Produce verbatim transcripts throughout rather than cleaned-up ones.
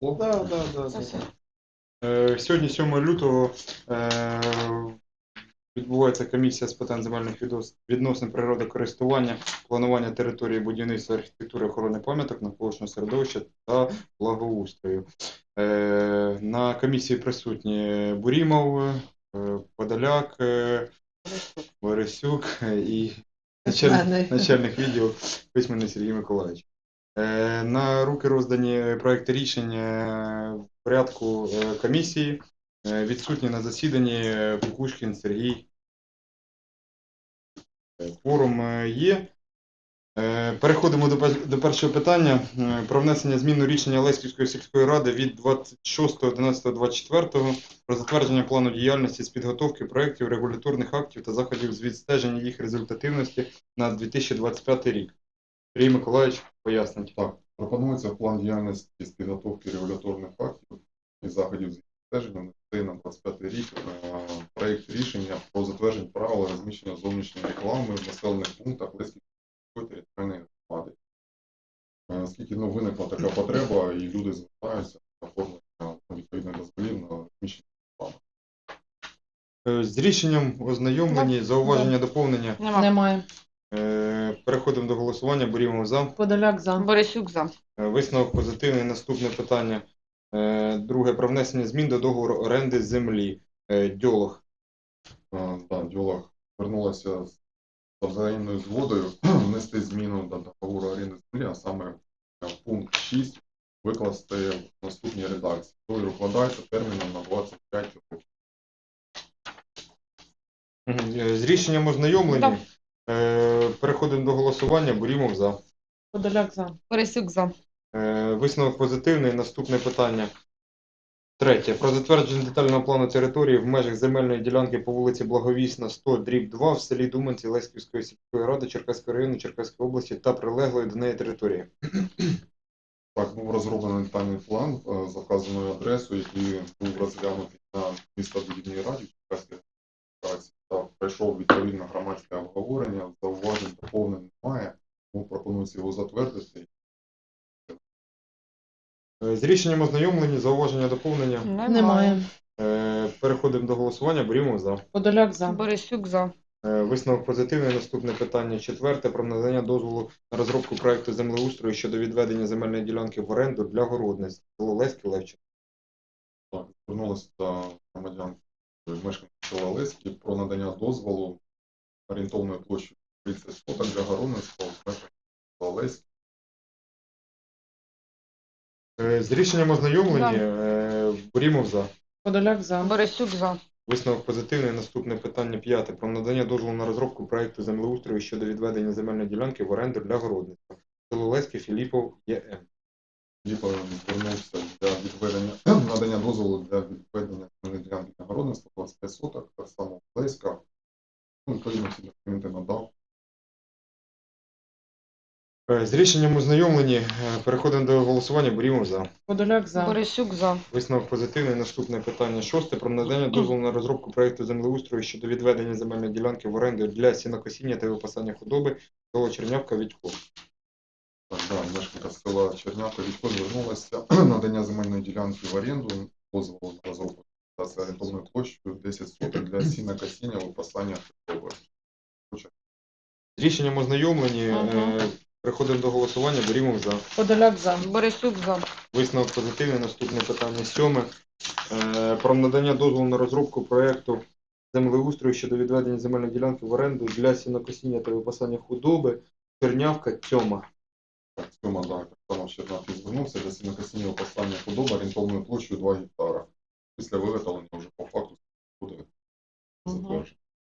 Да, да, да, Це все. да. Е, Сьогодні, сьомого лютого, е, відбувається комісія з питань земельних віднос- відносин природокористування, планування території будівництва, архітектури, охорони пам'яток, навколишнього середовища та благоустрою. Е, На комісії присутні Бурімов, е, Подоляк, е, Борисюк і начальник, начальник відділу Письменний Сергій Миколаївич. Е, На руки роздані проекти рішень е, в порядку е, комісії. Е, Відсутні на засіданні е, Кукушкін Сергій. Е, Кворум е, є. Е, Переходимо до, пер- до першого питання е, про внесення змін у рішення Леськівської сільської ради від двадцять шостого одинадцятого двадцять четвертого про затвердження плану діяльності з підготовки проєктів, регуляторних актів та заходів з відстеження їх результативності на дві тисячі двадцять п'ятий рік. Сергій Миколаївич, пояснить. Так, пропонується план діяльності з підготовки регуляторних актів і заходів з відстеження на двадцять п'ятий рік. е, Проєкт рішення про затвердження правил розміщення зовнішньої реклами в населених пунктах Леськівської територіальної громади. Е, Оскільки ну, виникла така потреба, і люди звертаються на оформлення відповідних дозволів на розміщення реклами. Е, З рішенням ознайомлені, зауваження, доповнення. Нема. Немає. Е, Переходимо до голосування. Борімо за. Подоляк за. Борисюк за. Е, Висновок позитивний. Наступне питання. Е, Друге. Про внесення змін до договору оренди землі. Е, Дьолог. Е, Да, Дьолог звернулася з взаємною згодою внести зміну до договору оренди землі, а саме в пункт шість викласти в наступній редакції. Договір укладається терміном на двадцять п'ять років. Мгм. Е, З рішенням ознайомлені. Да. Е, Переходимо до голосування. Борімов за. Подоляк за. Борисюк за. Е, Висновок позитивний. Наступне питання. Третє. Про затвердження детального плану території в межах земельної ділянки по вулиці Благовісна, сто, дріб два в селі Думанці Леськівської сільської ради Черкаського району Черкаської області та прилеглої до неї території. Так, був розроблений детальний план е, за вказаною адресою, який був розглянутий на містобудівній раді Черкаської адміністрації та пройшов відповідне громадське обговорення. Зауважень доповнень немає, тому пропонується його затвердити. Е, З рішенням ознайомлені, зауваження, доповнення. Немає. Е, Переходимо до голосування. Борімо за. Подоляк за. Борисюк за. Е, Висновок позитивний. Наступне питання. Четверте. Про надання дозволу на розробку проекту землеустрою щодо відведення земельної ділянки в оренду для городництва. Село Леське, Левченко. Так, звернулися до громадян мешканців села Леськи про надання дозволу орієнтовною площею тридцять соток для городництва у мешканців села Леськи. Е, З рішенням ознайомлені. Е, Борімов за. Подоляк за. Борисюк за. Висновок позитивний. Наступне питання п'яте. Про надання дозволу на розробку проекту землеустрою щодо відведення земельної ділянки в оренду для городництва. Село Леське, Філіпов, ЄМ. Ліпа звернувся для відведення надання дозволу для відведення земельної ділянки на городництво двадцять п'ять соток, так само Леська. Ну, відповідно, всі документи надав. Е, З рішенням ознайомлені. Е, Переходимо до голосування. Борімо за. Подоляк за. Борисюк за. Висновок позитивний. Наступне питання шосте. Про надання дозволу на розробку проекту землеустрою щодо відведення земельної ділянки в оренду для сінокосіння та випасання худоби. Село Чернявка, Відько. Так, да, мешканка села Чернявка Вітько звернулася надання земельної ділянки в оренду, дозволу на розробку та орієнтовною площею десять соток для сінокосіння, випасання худоби. З рішенням ознайомлені. Е, Ага. Переходимо до голосування. Борімо за. Подоляк за. Борисюк за. Висновок позитивний. Наступне питання сьоме. Е, Про надання дозволу на розробку проєкту землеустрою щодо відведення земельної ділянки в оренду для сінокосіння та випасання худоби. Чернявка, Тьома. Так, Сьома, да, так само Чернявки звернувся для сінокосіння, випасання худоби орієнтовною площею два гектара. Після виготовлення вже по факту буде затверджено.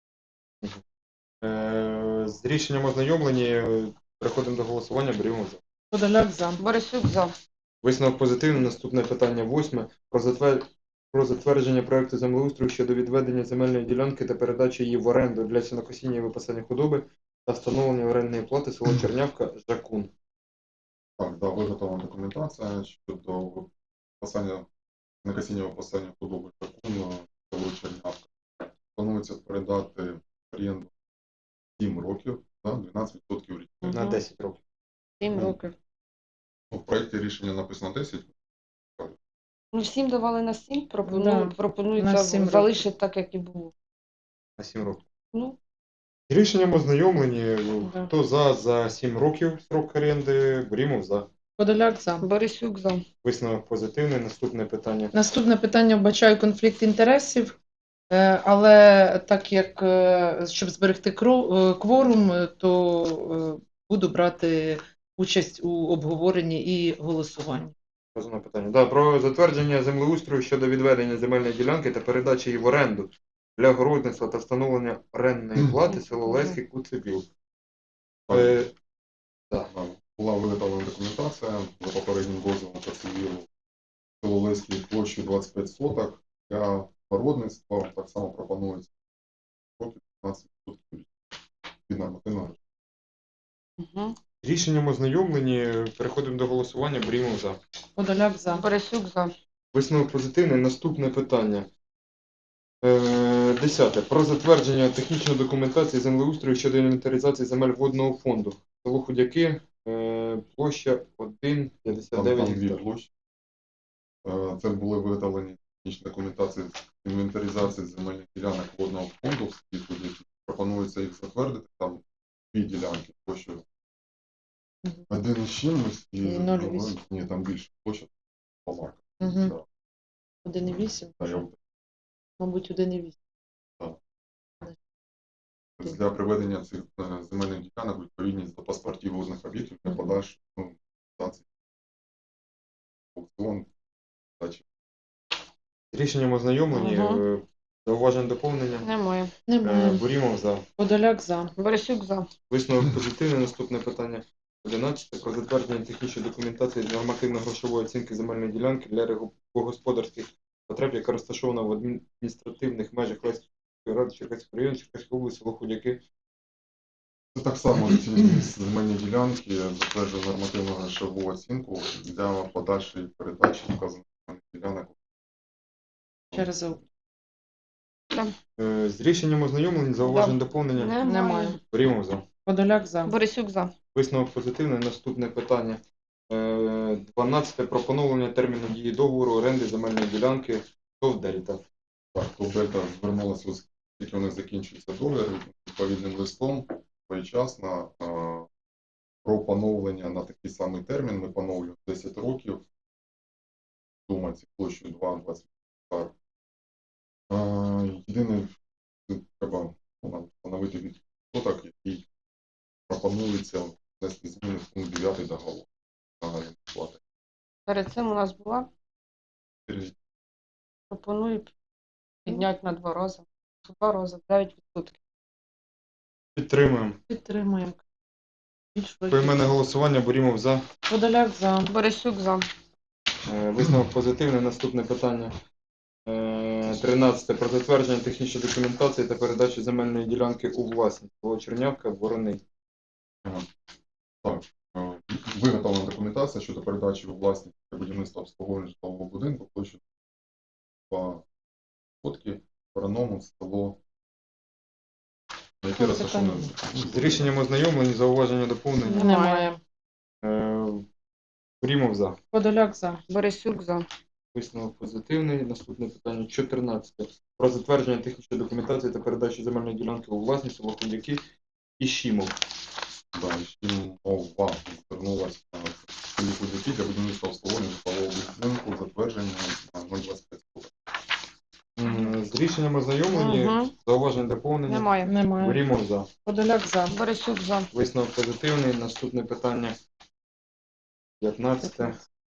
Е, З рішенням ознайомлені. Е, Переходимо до голосування. Беремо за. Подоляк за. Борисюк за. Висновок позитивний. Наступне питання восьме. Про затвер... про затвердження проекту землеустрою щодо відведення земельної ділянки та передачі її в оренду для сінокосіння і випасання худоби та встановлення орендної плати село Чернявка, Жакун. Так, да, виготовлена документація щодо випасання, накосіння випасання худоби Жакун, село Чернявка. Планується передати в оренду сім років, да, дванадцять відсотків річних. На Мгм. десять років. Сім Ну, років. Ну, в проєкті рішення написано десять. Ну, всім давали на сім, пропоную, Да, пропонується на сім років. залишити так, як і було. На сім років. Ну, З рішенням ознайомлені. Да. Хто за за сім років строк оренди? Борімов за. Подоляк за. Борисюк за. Висновок позитивний. Наступне питання. Наступне питання вбачаю конфлікт інтересів, е, але так як е, щоб зберегти кро- е, кворум, е, то е, буду брати участь у обговоренні і голосуванні. Розумне питання. Да, про затвердження землеустрою щодо відведення земельної ділянки та передачі її в оренду для городництва та встановлення орендної плати село Леський Куцебіл. Е, Да, була виготовлена документація за попереднім дозволом ТСВІРу село Леський площею двадцять п'ять соток. Для городництва так само пропонується п'ятнадцять відсотків від нормативного. Угу. Рішенням ознайомлені. Переходимо до голосування. Борімов за. Подоляк за. Борисюк за. Висновок позитивний. Наступне питання. Е, Десяте. Про затвердження технічної документації землеустрою щодо інвентаризації земель водного фонду. Село Худяки, е, площа один п'ятдесят Там, дев'ять там дві гектарів. площі. Е, Це були виготовлені технічні документації з інвентаризації земельних ділянок водного фонду в селі Худяки. Пропонується їх затвердити. Там дві ділянки площею Мгм. один із чимось і І нуль другої- вісім. ні, там більше площа по марках. Мгм. Да. один і вісім, Та я мабуть, один і вісім. для приведення цих е, земельних ділянок у відповідність до паспортів водних об'єктів для Мгм. подальшої ну, реалізації аукціон, дачі. Рішенням ознайомлені. Ага. Е, Зауважень доповнення. Немає. Е, Немає. Борімов за. Подоляк за. Борисюк за. Висновок позитивний. Наступне питання. одинадцяте. Про затвердження технічної документації з нормативно-грошової оцінки земельної ділянки для регу- господарських потреб, яка розташована в адміністративних межах Леської ради Черкаського району, Черкаської області, село Худяки. Це так само ці земельні ділянки затверджує нормативну грошову оцінку для подальшої передачі вказаних земельних ділянок. Через Е, З рішенням ознайомлені. Зауважень Да. доповнення. Немає. Немає. Борімов за. Подоляк за. Борисюк за. Висновок позитивний. Наступне питання. Е, дванадцяте. Про поновлення терміну дії договору оренди земельної ділянки ТОВ Дельта. Так, то Дельта звернулася, оскільки у них закінчується договір відповідним листом своєчасно е, про поновлення на такий самий термін. Ми поновлюємо десять років. Сума ці площею два двадцять гектар. Е, Єдине, це треба ну, нам встановити відсоток, який пропонується внести зміни в пункт дев'ятий договору загальної плати. Перед цим у нас була. Пропоную підняти на два рази. В Два рази. дев'ять відсотків. Підтримуємо. Підтримуємо. Більш Поіменне голосування. Борімов за. Подоляк за. Борисюк за. Е, Висновок позитивний. Наступне питання. Е, тринадцяте. Про затвердження технічної документації та передачу земельної ділянки у власність. Село Чернявка, Вороний. Так, е, виготовлена документація щодо передачі у власність для будівництва обслуговування житлового будинку площею два сотки Вороному село, яке Це розташоване З рішенням ознайомлені. Зауваження доповнення. Немає. Е, Борімов за. Подоляк за. Борисюк за. Висновок позитивний. Наступне питання. чотирнадцяте. Про затвердження технічної документації та передачу земельної ділянки у власність село Худяки і Щімов. Да, і ще мова звернулася в селі Худяки для будівництва обслуговування житлового будинку затвердження на нуль двадцять п'ять соток. М, З рішенням ознайомлені. Угу. Зауважень доповнення. Немає. Немає. Борімов за. Подоляк за. Борисюк за. Висновок позитивний. Наступне питання. п'ятнадцяте.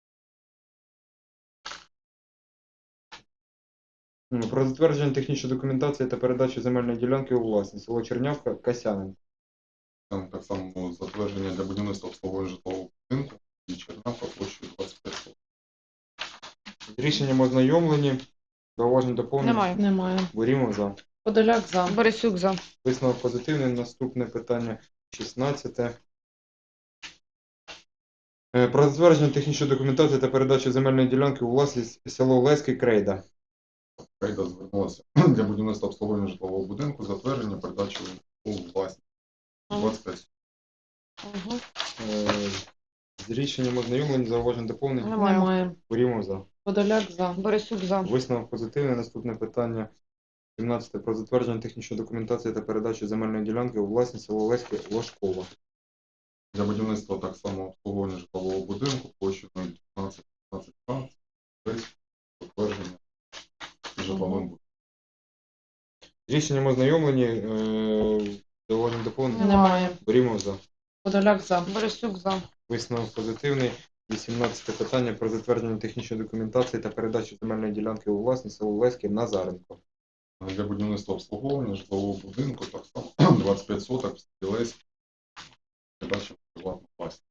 М, Про затвердження технічної документації та передачу земельної ділянки у власність. Село Чернявка, Касянин. Там так само затвердження для будівництва обслуговування житлового будинку і Чернавка площею двадцять п'ять соток. З рішенням ознайомлені. Зауважень доповнення. Немає. Немає. Борімов за. Подоляк за. Борисюк за. Висновок позитивний. Наступне питання шістнадцяте. Е, Про затвердження технічної документації та передачу земельної ділянки у власність село Леський Крейда. Крейда звернулася для будівництва обслуговування житлового будинку, затвердження, передачу у власність двадцять п'ять. Угу. Е, З рішенням ознайомлені. Зауважень доповнення. Немає. Немає. Борімов за. Подоляк за. Борисюк за. Висновок позитивний. Наступне питання сімнадцяте про затвердження технічної документації та передачу земельної ділянки у власність село Леське Лошкова. Для будівництва так само обслуговування житлового будинку площею нуль дев'ятнадцять п'ятнадцять га, без затвердження житловим будинком. З рішенням ознайомлені. Е, Зауважень доповнення. Немає. Берімо за. Подоляк за. Борисюк за. Висновок позитивний. вісімнадцяте питання про затвердження технічної документації та передачу земельної ділянки у власність село Леське Назаренко. Для будівництва обслуговування житлового будинку так само двадцять п'ять соток в селі Леське, передача в приватну власність.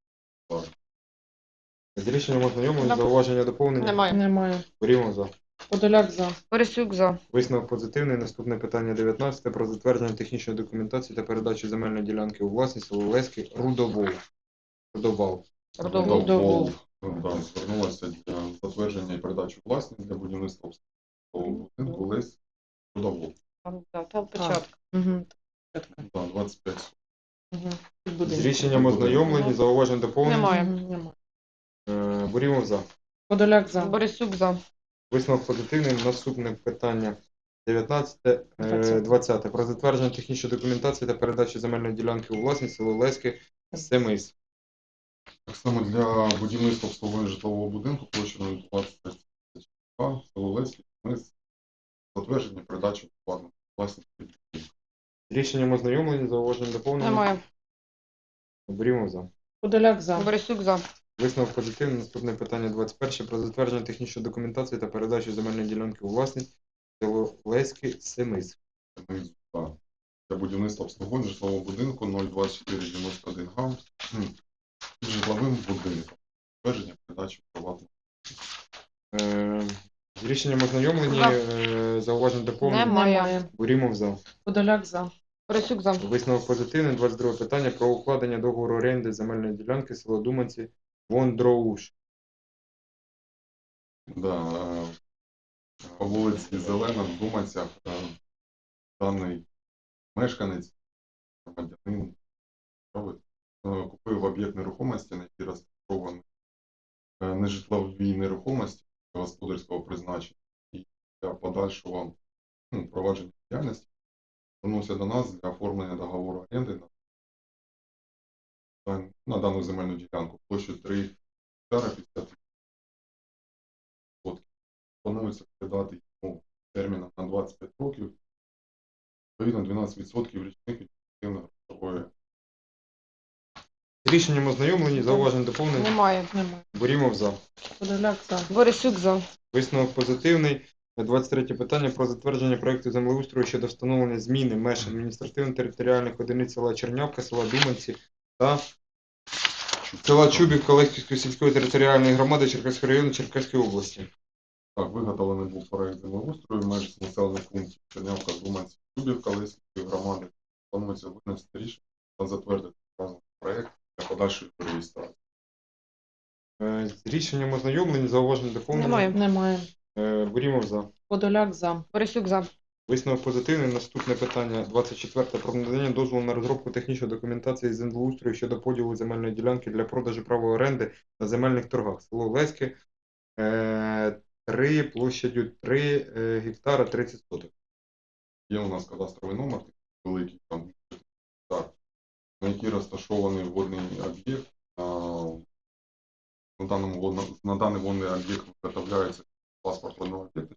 З рішенням ознайомлені. Нем- Зауваження доповнення. Немає. Немає. Берімо за. Подоляк за. Борисюк за. Висновок позитивний. Наступне питання дев'ятнадцяте про затвердження технічної документації та передачу земельної ділянки у власність село Леське Рудовол. Рудовал. Родовол. Рудовол. Да, звернулася для затвердження і передачі у власність для будівництва обслугового будинку Лесь Рудовол. Там, да, там початок. Угу. Да, двадцять п'ять соток. Угу. З рішенням ознайомлені. Зауважень доповнення. Немає. Немає. Е, Борімо за. Подоляк за. Борисюк за. Висновок позитивний. Наступне питання дев'ятнадцяте, е, Двадцяте. двадцяте про затвердження технічної документації та передачу земельної ділянки у власність село Леське Семис. Так само для будівництва обслуговування житлового будинку площею двадцять п'ять га, село Леське, ми з затвердження передачі в приватну власність. З рішенням ознайомлені. Зауважень доповнення. Немає. Берімо за. Подоляк за. Борисюк за. Висновок позитивний. Наступне питання двадцять перше про затвердження технічної документації та передачу земельної ділянки у власність село Леське Семис. Ми з- да, Для будівництва обслуговування житлового будинку нуль двадцять чотири дев'яносто один га, м, з житловим будинком. Затвердження передачі в приватну. Е, З рішенням ознайомлені. За. Е, Зауважень доповнення. Немає. Борімо за. Подоляк за. Борисюк за. Висновок позитивний. двадцять друге питання про укладення договору оренди земельної ділянки село Думанці Вондроуш. Да, е, по вулиці Зелена в Думанцях е, даний мешканець, громадянин, е, купив об'єкт нерухомості, на який розташований е, нежитлові нерухомості господарського призначення і для подальшого ну, провадження діяльності звернувся до нас для оформлення договору оренди на, дан- на дану земельну ділянку площею три гектара п'ятдесят. Планується передати йому терміном на двадцять п'ять років, відповідно дванадцять відсотків річних від ефективної грошової. З рішенням ознайомлені. Зауважень доповнення. Немає. Немає. Борімо за. Подоляк за. Борисюк за. Висновок позитивний. двадцять третє питання про затвердження проекту землеустрою щодо встановлення зміни меж адміністративно-територіальних одиниць села Чернявка, села Думанці та села Чубівка Леськівської сільської територіальної громади Черкаського району Черкаської області. Так, виготовлений був проект землеустрою меж населених пунктів Чернявка, Думанці, Чубівка, Лисівської громади. Планується винести рішення та затвердити вказаний проект для подальшої реєстрації. Е, З рішенням ознайомлені. Зауважень доповнення. Немає. Немає. Е, Борімо за. Подоляк за. Борисюк за. Висновок позитивний. Наступне питання двадцять четверте про надання дозволу на розробку технічної документації з землеустрою щодо поділу земельної ділянки для продажу права оренди на земельних торгах. Село Леське, е, три площадю три е, гектара тридцять соток. Є у нас кадастровий номер, такий великий, там, так, на який розташований водний об'єкт. А, На, даному водно- на даний водний об'єкт виготовляється паспорт водного об'єкта.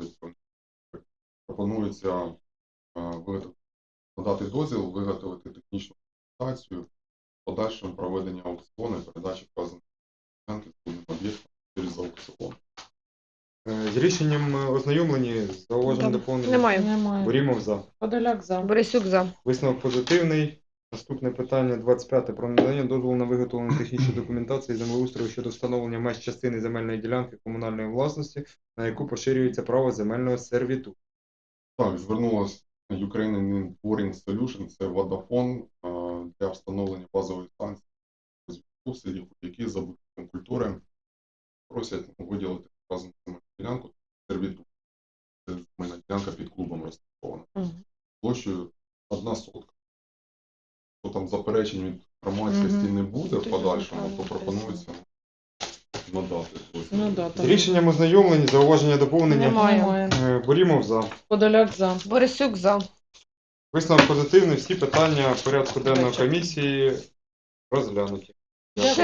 Пропонується а, виготов- надати дозвіл, виготовити технічну документацію, подальшим проведення аукціону і передачі вказаної ділянки з водним об'єктом через аукціон. Е, З рішенням е, ознайомлені. Зауважень Там доповнення. Немає. Немає. Борімо за. Подоляк за. Борисюк за. Висновок позитивний. Наступне питання двадцять п'яте про надання дозволу на виготовлення технічної документації землеустрою щодо встановлення меж частини земельної ділянки комунальної власності, на яку поширюється право земельного сервіту. Так, звернулася Ukrainian Pouring Solution, це Vodafone, а, для встановлення базової станції зв'язку в селі, які за будинком культури просять виділити вказану земельну ділянку сервіту. Це земельна ділянка під клубом розташована. Мгм. Площею одна сотка. То там заперечень від громадськості Мгм. не буде в Тоді подальшому, правильно то пропонується надати. дозвіл. Ну да, З рішенням ознайомлені, зауваження доповнення. Немає. Немає. Е, Борімов за. Подоляк за. Борисюк за. Висновок позитивний, всі питання порядку денного Дякую. комісії розглянуті. Дякую.